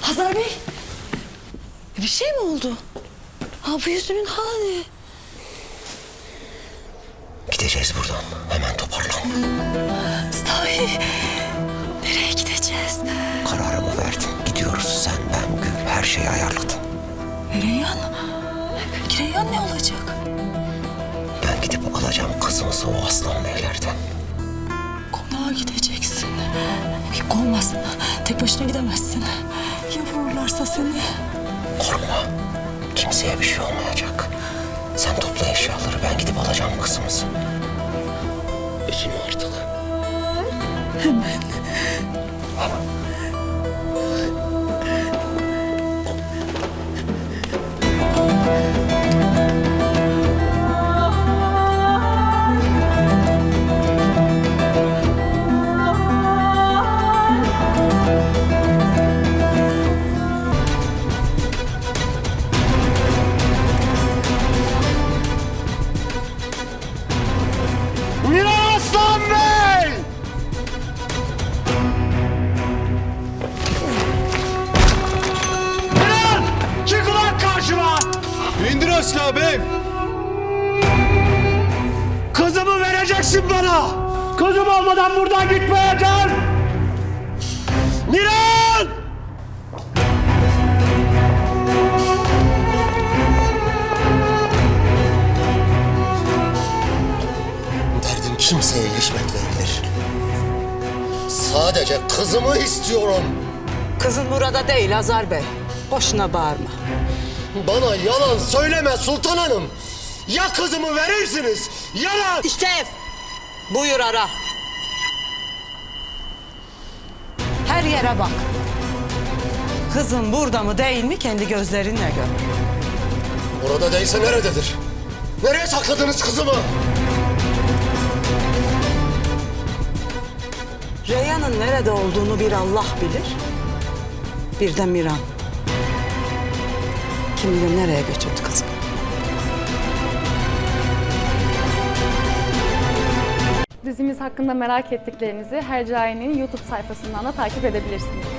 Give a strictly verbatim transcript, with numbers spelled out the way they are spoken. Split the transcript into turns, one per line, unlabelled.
Hazar Bey, bir şey mi oldu? Ha bu yüzünün hali ne?
Gideceğiz buradan. Hemen toparlan.
Sahi, nereye gideceğiz?
Kararımı verdim. Gidiyoruz. Sen, ben, Gül her şeyi ayarladım.
Reyhan, Reyhan ne olacak?
Ben gidip alacağım kızımızı o aslan beylerden.
Konağa gideceksin. Yok olmaz, tek başına gidemezsin. Ya vururlarsa seni?
Korkma. Kimseye bir şey olmayacak. Sen topla eşyaları. Ben gidip alacağım kızımızı. Üzülme artık.
Hemen.
Aslan Bey! Bilal! Çık ulan karşıma!
İndir asla bey.
Kızımı vereceksin bana! Kızım olmadan buradan gitmeyeceğim! Miran!
Derdim kimseye ilişmek değildir. Sadece kızımı istiyorum.
Kızın burada değil Hazar Bey. Boşuna bağırma.
Bana yalan söyleme Sultan Hanım. Ya kızımı verirsiniz ya da...
İşte ev. Buyur ara. Her yere bak. Kızın burada mı değil mi kendi gözlerinle gör.
Orada değilse nerededir? Nereye sakladınız kızımı?
Reyhan'ın nerede olduğunu bir Allah bilir. Bir de Miran. Kim bilir nereye götürdü kızı.
Dizimiz hakkında merak ettiklerinizi Hercai'nin YouTube sayfasından da takip edebilirsiniz.